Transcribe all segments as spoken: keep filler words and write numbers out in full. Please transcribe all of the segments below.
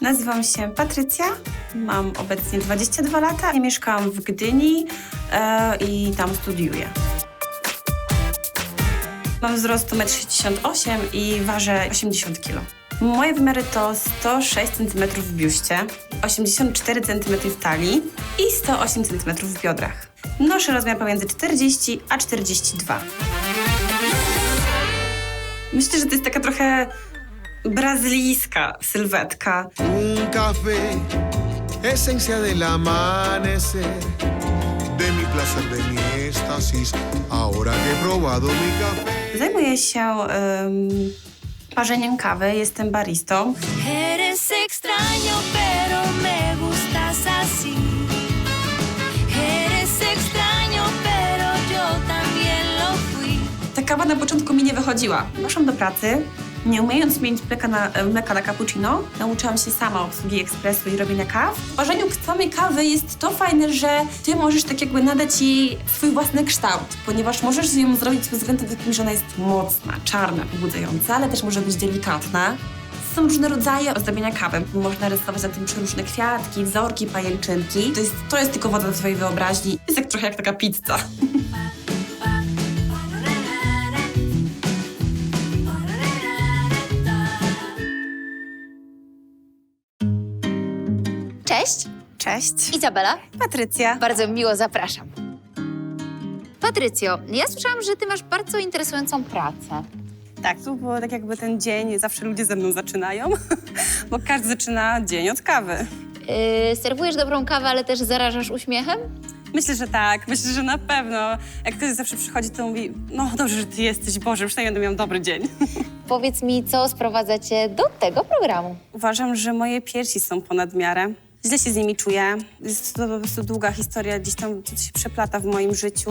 Nazywam się Patrycja, mam obecnie dwadzieścia dwa lata, mieszkam w Gdyni e, i tam studiuję. Mam wzrost metr sześćdziesiąt osiem i ważę osiemdziesiąt kilo. Moje wymiary to sto sześć centymetrów w biuście, osiemdziesiąt cztery centymetry w talii i sto osiem centymetrów w biodrach. Noszę rozmiar pomiędzy czterdzieści a czterdzieści dwa. Myślę, że to jest taka trochę brazylijska sylwetka. Un café, esencia del amanecer, de mi placer, de mi éxtasis, ahora que he probado mi café. Zajmuję się um, parzeniem kawy, jestem baristą. Eres extraño, pero me gustas así. Eres extraño, pero yo también lo fui. Ta kawa na początku mi nie wychodziła. Poszłam do pracy, nie umiejąc mieć mleka na, mleka na cappuccino, nauczyłam się sama obsługi ekspresu i robienia kaw. W parzeniu samej kawy jest to fajne, że ty możesz tak jakby nadać jej swój własny kształt, ponieważ możesz ją zrobić pod względem takim, że ona jest mocna, czarna, pobudzająca, ale też może być delikatna. Są różne rodzaje ozdabiania kawy. Można rysować na tym przeróżne kwiatki, wzorki, pajęczynki. To jest, to jest tylko woda do twojej wyobraźni. Jest jak trochę jak taka pizza. Cześć, Cześć. Izabela. Patrycja. Bardzo miło zapraszam. Patrycjo, ja słyszałam, że ty masz bardzo interesującą pracę. Tak, tu było tak jakby ten dzień, zawsze ludzie ze mną zaczynają, bo każdy zaczyna dzień od kawy. Yy, serwujesz dobrą kawę, ale też zarażasz uśmiechem? Myślę, że tak, myślę, że na pewno. Jak ktoś zawsze przychodzi, to mówi, no dobrze, że ty jesteś, Boże, przynajmniej będę miał dobry dzień. Powiedz mi, co sprowadza cię do tego programu? Uważam, że moje piersi są ponad miarę. Źle się z nimi czuję. Jest to po prostu długa historia, gdzieś tam to się przeplata w moim życiu.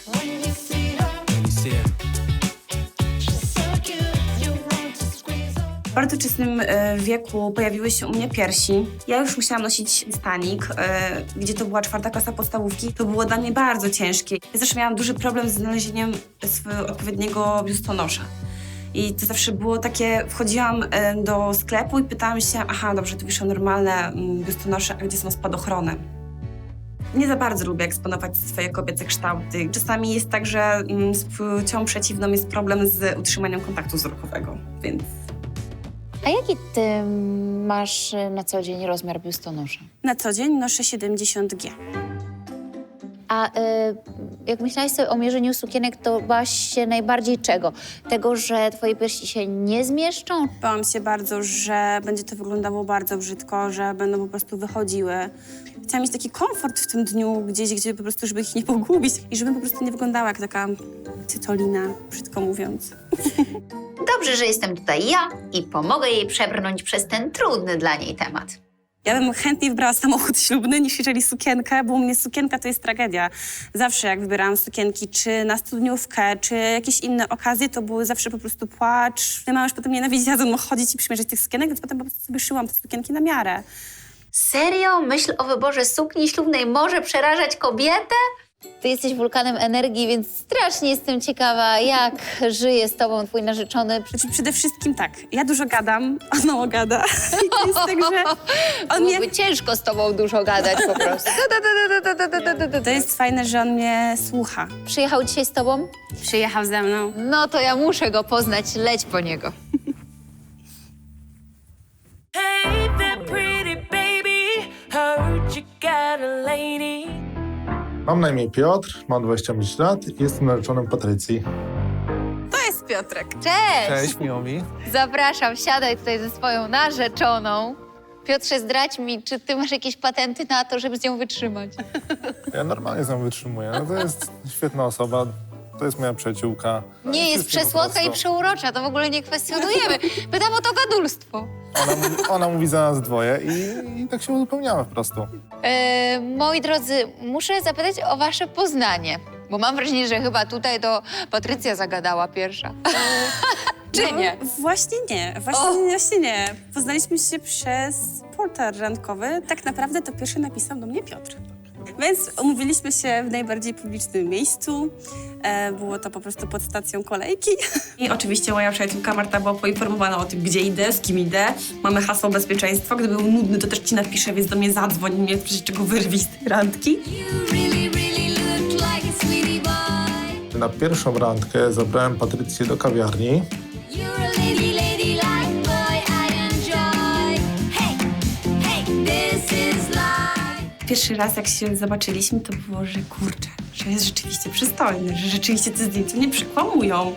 W bardzo wczesnym e, wieku pojawiły się u mnie piersi. Ja już musiałam nosić stanik, e, gdzie to była czwarta klasa podstawówki. To było dla mnie bardzo ciężkie. Ja zawsze miałam duży problem z znalezieniem swojego odpowiedniego biustonosza. I to zawsze było takie, wchodziłam e, do sklepu i pytałam się, aha, dobrze, tu wiszą normalne mm, biustonosze, a gdzie są spadochrony? Nie za bardzo lubię eksponować swoje kobiece kształty. Czasami jest tak, że mm, z płcią przeciwną jest problem z utrzymaniem kontaktu wzrokowego, więc... A jaki ty masz na co dzień rozmiar biustonosza? Na co dzień noszę siedemdziesiąt G. A y, jak myślałaś sobie o mierzeniu sukienek, to bałaś się najbardziej czego? Tego, że twoje piersi się nie zmieszczą? Bałam się bardzo, że będzie to wyglądało bardzo brzydko, że będą po prostu wychodziły. Chciałam mieć taki komfort w tym dniu gdzieś, gdzie po prostu, żeby ich nie pogubić i żebym po prostu nie wyglądała jak taka cytolina, brzydko mówiąc. Dobrze, że jestem tutaj ja i pomogę jej przebrnąć przez ten trudny dla niej temat. Ja bym chętniej wybrała samochód ślubny niż jeżeli sukienkę, bo u mnie sukienka to jest tragedia. Zawsze jak wybierałam sukienki, czy na studniówkę, czy jakieś inne okazje, to były zawsze po prostu płacz. Ja mama już potem nienawidziła ze mną chodzić i przymierzać tych sukienek, więc potem po prostu sobie szyłam te sukienki na miarę. Serio? Myśl o wyborze sukni ślubnej może przerażać kobietę? Ty jesteś wulkanem energii, więc strasznie jestem ciekawa, jak żyje z tobą twój narzeczony. Znaczy przede wszystkim tak, ja dużo gadam, on mało gada. I to jest tak, że on mnie... Byłoby ciężko z tobą dużo gadać po prostu. To jest fajne, że on mnie słucha. Przyjechał dzisiaj z tobą? Przyjechał ze mną. No to ja muszę go poznać, leć po niego. Hey there, pretty baby, heard you got a lady. Mam na imię Piotr, mam dwadzieścia pięć lat i jestem narzeczonym Patrycji. To jest Piotrek. Cześć! Cześć, miło mi. Zapraszam, siadaj tutaj ze swoją narzeczoną. Piotrze, zdradź mi, czy ty masz jakieś patenty na to, żeby z nią wytrzymać? Ja normalnie z nią wytrzymuję. No to jest świetna osoba, to jest moja przyjaciółka. Nie jest Wszystko po przesłodka i prostu. przeurocza, to w ogóle nie kwestionujemy. Pytam o to gadulstwo. Ona mówi, ona mówi za nas dwoje i, i tak się uzupełniamy po prostu. E, moi drodzy, muszę zapytać o wasze poznanie, bo mam wrażenie, że chyba tutaj to Patrycja zagadała pierwsza. Czy nie? No, właśnie nie, właśnie, O! właśnie nie. Poznaliśmy się przez portal randkowy. Tak naprawdę to pierwszy napisał do mnie Piotr. Więc umówiliśmy się w najbardziej publicznym miejscu. E, było to po prostu pod stacją kolejki. I oczywiście moja przyjaciółka Marta była poinformowana o tym, gdzie idę, z kim idę. Mamy hasło bezpieczeństwa. Gdyby był nudny, to też ci napiszę, więc do mnie zadzwoń i mnie w razie czego wyrwij z tej randki. Na pierwszą randkę zabrałem Patrycję do kawiarni. Pierwszy raz, jak się zobaczyliśmy, to było, że kurczę, że jest rzeczywiście przystojny, że rzeczywiście te zdjęcia nie przekłamują.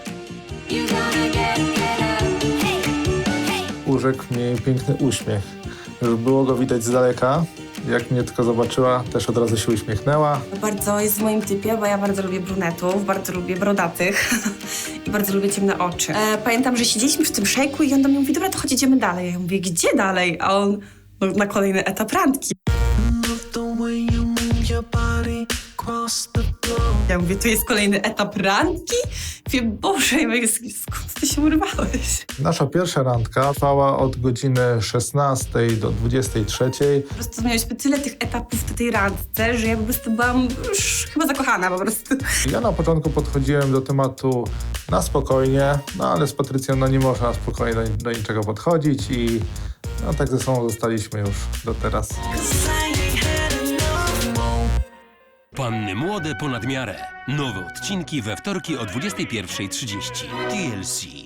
Urzekł mnie piękny uśmiech. Już było go widać z daleka. Jak mnie tylko zobaczyła, też od razu się uśmiechnęła. Bardzo jest w moim typie, bo ja bardzo lubię brunetów, bardzo lubię brodatych i bardzo lubię ciemne oczy. E, pamiętam, że siedzieliśmy przy tym szejku i on do mnie mówi, dobra, to chodź, idziemy dalej. Ja mówię, gdzie dalej? A on, no, na kolejny etap randki. Ja mówię, tu jest kolejny etap randki? Mówię, Boże, ja mówię, skąd ty się urwałeś? Nasza pierwsza randka trwała od godziny szesnastej do dwudziestej trzeciej. Po prostu mieliśmy tyle tych etapów w tej randce, że ja po prostu byłam już chyba zakochana po prostu. Ja na początku podchodziłem do tematu na spokojnie, no ale z Patrycją no, nie można spokojnie do, do niczego podchodzić i no, tak ze sobą zostaliśmy już do teraz. Panny młode ponad miarę. Nowe odcinki we wtorki o dwudziestej pierwszej trzydzieści. T L C.